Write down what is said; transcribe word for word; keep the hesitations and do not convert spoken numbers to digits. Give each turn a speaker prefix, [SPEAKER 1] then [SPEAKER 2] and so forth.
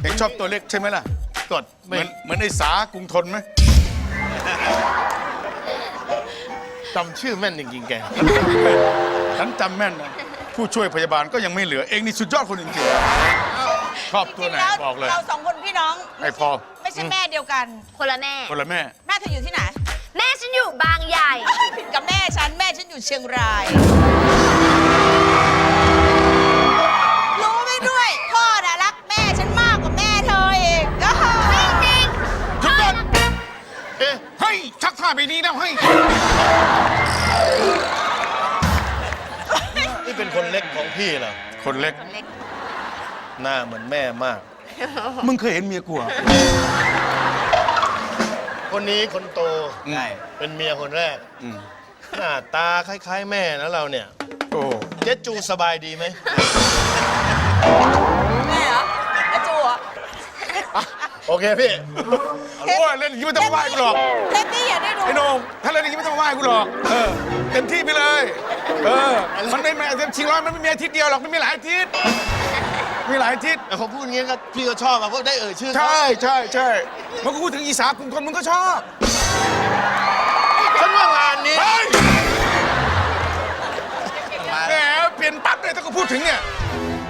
[SPEAKER 1] เองชอบตัวเล็กใช่ไหมล่ะกดเหมือนเหมือนไอ้สากรุงทนไหม
[SPEAKER 2] จำชื่อแม่นจริงๆแก
[SPEAKER 1] ฉันจำแม่นนะผู้ช่วยพยาบาลก็ยังไม่เหลือเองนี่สุดยอดคนจริงๆชอบตัวไหนบอกเลย
[SPEAKER 3] เราสองคนพี่น้อง
[SPEAKER 1] ไอ้พอ
[SPEAKER 3] ไม่ใช่แม่เดียวกัน
[SPEAKER 4] คนละแม่
[SPEAKER 1] คนละแม่
[SPEAKER 3] แม่เธออยู่ที่ไหน
[SPEAKER 4] แม่ฉันอยู่บางใหญ่
[SPEAKER 3] ผิดกับแม่ฉันแม่ฉันอยู่เชียงราย รู้ไหมด้วยพ่อน่ะรักแม่ฉันมากกว่าแม่เธอเองก็
[SPEAKER 4] ไม่จริง
[SPEAKER 1] หยุดก่อน
[SPEAKER 2] เอ๊ะ
[SPEAKER 1] เฮ้ยชักท่าไปนี้แล้วเฮ้ย
[SPEAKER 2] นี่เป็นคนเล็กของพี่เหรอ
[SPEAKER 1] คนเล็ก
[SPEAKER 2] หน้าเหมือนแม่มาก
[SPEAKER 1] มึงเคยเห็นเมียกูเหรอ
[SPEAKER 2] คนนี้คนโต
[SPEAKER 1] ใช่
[SPEAKER 2] เป็นเมียคนแรก
[SPEAKER 1] อืม
[SPEAKER 2] หน้าตาคล้ายๆ แม่นะเราเนี่ย
[SPEAKER 1] โอ้
[SPEAKER 2] เจ๊จูสบายดีไหม
[SPEAKER 3] แม่เหรออาจูเหรอ
[SPEAKER 2] โอเคพี่
[SPEAKER 1] โอ้ยเล่นอย่างนี้ไม่ต้องไหว้กูหรอก
[SPEAKER 3] เทปนี้อย่าได้ดู
[SPEAKER 1] ไอ้โหน่งถ้าเล่นอย่างนี้ไม่ต้องไหว้กูหรอกเออเต็มที่ไปเลย เออมันไม่แม่ชิงร้อยมันไม่มีอาทิตย์เดียวหรอกมันมีหลายอาทิตย์มีหลายอาทิตย์
[SPEAKER 2] แต่เขาพูดอย่างงี้ก็พี่ก็ชอบอะเพราะได้เอ่ยชื่อเขา
[SPEAKER 1] ใช่ใช่ใช่มันก็พูดถึงอีสากรุงทนมึงก็ชอบ